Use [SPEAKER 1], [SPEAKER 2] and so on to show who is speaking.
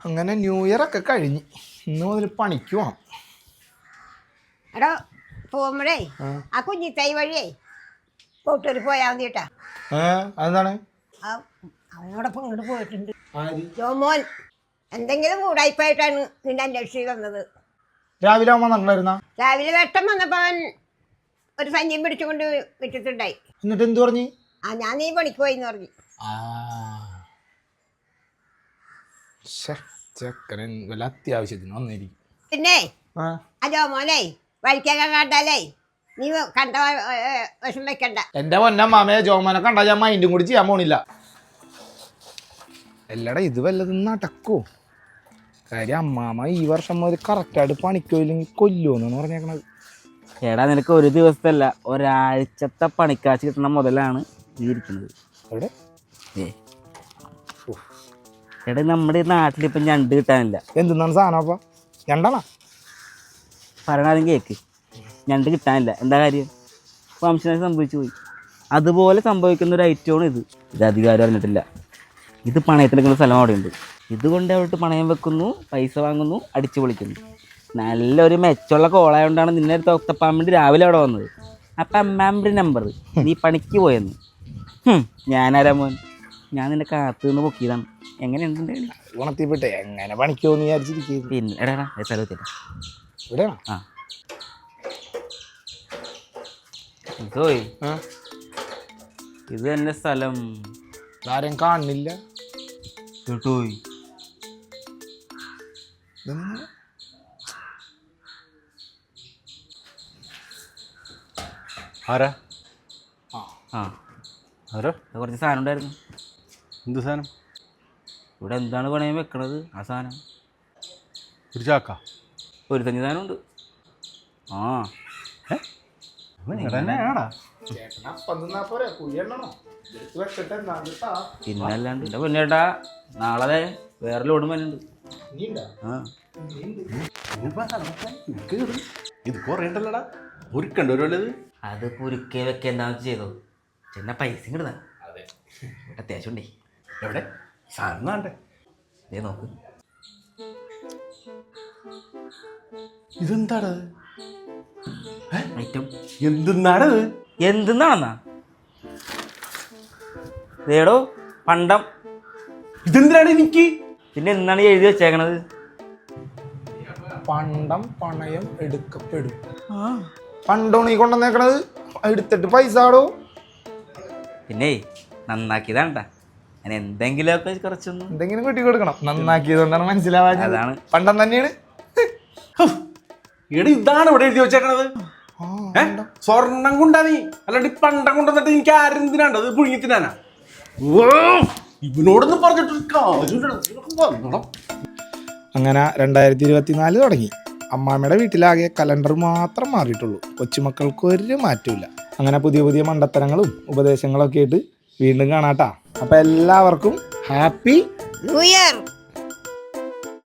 [SPEAKER 1] അങ്ങനെ new year ഒക്കെ കഴിഞ്ഞ് ഇന്ന് മുതൽ പണിക്ക് പോണം.
[SPEAKER 2] എടോ പോകുമ്പോഴേ ആ കുഞ്ഞിത്തൈ വഴിയേ കൂട്ടൂർ പോയാൽ മതി കേട്ടാ.
[SPEAKER 1] അതെന്താണ്?
[SPEAKER 2] അവനോടൊപ്പം ഇങ്ങോട്ട് പോയിട്ടുണ്ട് ജോമോൻ. എന്തെങ്കിലും കൂടായ്പായിട്ടാണ് നിന്റെ അന്വേഷിച്ച് വന്നത്.
[SPEAKER 1] രാവിലെ ആവുമ്പോ നന്നായിരുന്ന
[SPEAKER 2] രാവിലെ വെട്ടം വന്നപ്പോ അവൻ ഒരു സഞ്ചിയും പിടിച്ചുകൊണ്ട് വിട്ടിട്ടുണ്ടായി.
[SPEAKER 1] എന്നിട്ട് എന്ത് പറഞ്ഞു?
[SPEAKER 2] ഞാൻ നീ പണിക്ക് പോയിന്ന് പറഞ്ഞു.
[SPEAKER 1] ചെക്കന് വല്ല അത്യാവശ്യത്തിന് വന്നിരിക്കും.
[SPEAKER 2] പിന്നെ ആ ജോമോനെ വഴിക്കൊക്കെ കണ്ടാലേ നീ കണ്ട വിഷം വെക്കണ്ട.
[SPEAKER 1] എന്റെ പൊന്നമ്മാമയെ ജോമോനെ കണ്ടാ ഞാൻ മൈൻഡും കൂടി ചെയ്യാൻ പോണില്ല. എല്ലാടാ ഇത് വല്ലതും നടക്കോ? കാര്യം അമ്മാമ ഈ വർഷം മുതൽ കറക്റ്റായിട്ട് പണിക്കോയില്ലെങ്കിൽ കൊല്ലുമെന്നാണ് പറഞ്ഞേക്കണത്.
[SPEAKER 3] എടാ നിനക്ക് ഒരു ദിവസത്തല്ല ഒരാഴ്ചത്തെ പണിക്കാശ് കിട്ടുന്ന മുതലാണ് ഇരിക്കുന്നത്.
[SPEAKER 1] എവിടെ?
[SPEAKER 3] എടാ നമ്മുടെ നാട്ടിലിപ്പം ഞണ്ട് കിട്ടാനില്ല.
[SPEAKER 1] എന്തെന്നാണ് സാധനം? അപ്പം ഞണ്ടാണോ
[SPEAKER 3] പറയണാദ്യം കേക്ക്. ഞണ്ട് കിട്ടാനില്ല. എന്താ കാര്യം? വംശനാശം സംഭവിച്ചു പോയി. അതുപോലെ സംഭവിക്കുന്ന ഒരു ഐറ്റമാണ് ഇത്. ഇത് അധികാരം അറിഞ്ഞിട്ടില്ല. ഇത് പണയത്തിനെടുക്കുന്ന സ്ഥലം അവിടെയുണ്ട്. ഇതുകൊണ്ട് അവിടോട്ട് പണയം വെക്കുന്നു, പൈസ വാങ്ങുന്നു, അടിച്ചു പൊളിക്കുന്നു. നല്ലൊരു മെച്ചമുള്ള കോളായതുകൊണ്ടാണ് നിന്നെ തൊത്തപ്പാൻ വേണ്ടി രാവിലെ അവിടെ വന്നത്. അപ്പം അമ്മാമ്മയുടെ നമ്പർ നീ പണിക്ക് പോയെന്ന്. ഞാനാരാ മോൻ? ഞാൻ നിന്നെ കാത്തു നിന്ന് പൊക്കിയതാണ്. എങ്ങനെയുണ്ട്?
[SPEAKER 1] ഗുണത്തിൽപ്പെട്ടെ എങ്ങനെ പണിക്ക് പോകുന്നു വിചാരിച്ചിരിക്കും.
[SPEAKER 3] പിന്നെ എടാ സ്ഥലത്തില്ല
[SPEAKER 1] ഇവിടെയാണോ?
[SPEAKER 3] ആ ഇതോയ് ഇത് തന്നെ സ്ഥലം.
[SPEAKER 1] ആരും കാണുന്നില്ല
[SPEAKER 3] കേട്ടോയ്.
[SPEAKER 4] ആരാ?
[SPEAKER 3] ആ
[SPEAKER 4] ആരോ?
[SPEAKER 3] കുറച്ച് സാധനം ഉണ്ടായിരുന്നു.
[SPEAKER 4] എന്ത് സാധനം?
[SPEAKER 3] ഇവിടെ എന്താണ് പണയം വെക്കണത്? ആ സാധനം
[SPEAKER 4] ഒരു ചാക്ക?
[SPEAKER 3] ഒരു തഞ്ഞ സാധനം ഉണ്ട്. ആ
[SPEAKER 4] ആടാ
[SPEAKER 3] പിന്നല്ലാണ്ട് എൻ്റെ പൊന്നേട്ടാ, നാളെ വേറെ ലോഡും വരുന്നുണ്ട്.
[SPEAKER 4] ഇത് കുറേണ്ടല്ലടാ, ഒരുക്കണ്ടത്.
[SPEAKER 3] അത് കുരുക്കെ വെക്കെ എന്താണെന്ന് ചെയ്തോ. ചെന്ന പൈസ കിട്ടുന്ന അത്യാവശ്യം ഉണ്ടേ.
[SPEAKER 4] എവിടെ സാധനം വേണ്ടേ?
[SPEAKER 3] ദേ നോക്ക്.
[SPEAKER 4] ഇതെന്താടത്?
[SPEAKER 3] ഐറ്റം
[SPEAKER 4] എന്തെന്നാടത്?
[SPEAKER 3] എന്തെന്നാണെന്നാ? ഇതേടോ പണ്ടം.
[SPEAKER 4] ഇതെന്തിനാണ് എനിക്ക്?
[SPEAKER 3] പിന്നെ എന്താണ് എഴുതി വെച്ചേക്കണത്?
[SPEAKER 1] പണ്ടം പണയം എടുക്കപ്പെടും. പണ്ടോണ് ഈ കൊണ്ടുവന്നേക്കണത്. എടുത്തിട്ട് പൈസ ആടോ.
[SPEAKER 3] പിന്നെ നന്നാക്കിയതാണ്ടാ. ഞാൻ എന്തെങ്കിലുമൊക്കെ കുറച്ചൊന്നും
[SPEAKER 1] എന്തെങ്കിലും കുട്ടി കൊടുക്കണം. നന്നാക്കിയതുകൊണ്ടാണ് മനസ്സിലാവാൻ.
[SPEAKER 3] അതാണ്
[SPEAKER 1] പണ്ടം തന്നെയാണ്.
[SPEAKER 4] എടാ ഇതാണ് ഇവിടെ എഴുതി വെച്ചേക്കണത്. സ്വർണം കൊണ്ടാ നീ, അല്ലാണ്ട് ഈ പണ്ടം കൊണ്ടുവന്നിട്ട് എനിക്ക് ആരെന്തിനാണ്ടത്? പുഴുങ്ങി തിന്നാനാ? ഇവനോടൊന്നും പറഞ്ഞിട്ടൊരു കാര്യം.
[SPEAKER 1] അങ്ങനെ 2024 തുടങ്ങി. അമ്മാമ്മയുടെ വീട്ടിലാകെ കലണ്ടർ മാത്രം മാറിയിട്ടുള്ളൂ. കൊച്ചുമക്കൾക്ക് ഒരു മാറ്റമില്ല. അങ്ങനെ പുതിയ പുതിയ മണ്ടത്തരങ്ങളും ഉപദേശങ്ങളൊക്കെ ആയിട്ട് വീണ്ടും കാണാട്ടാ. അപ്പം എല്ലാവർക്കും ഹാപ്പി
[SPEAKER 2] ന്യൂ ഇയർ.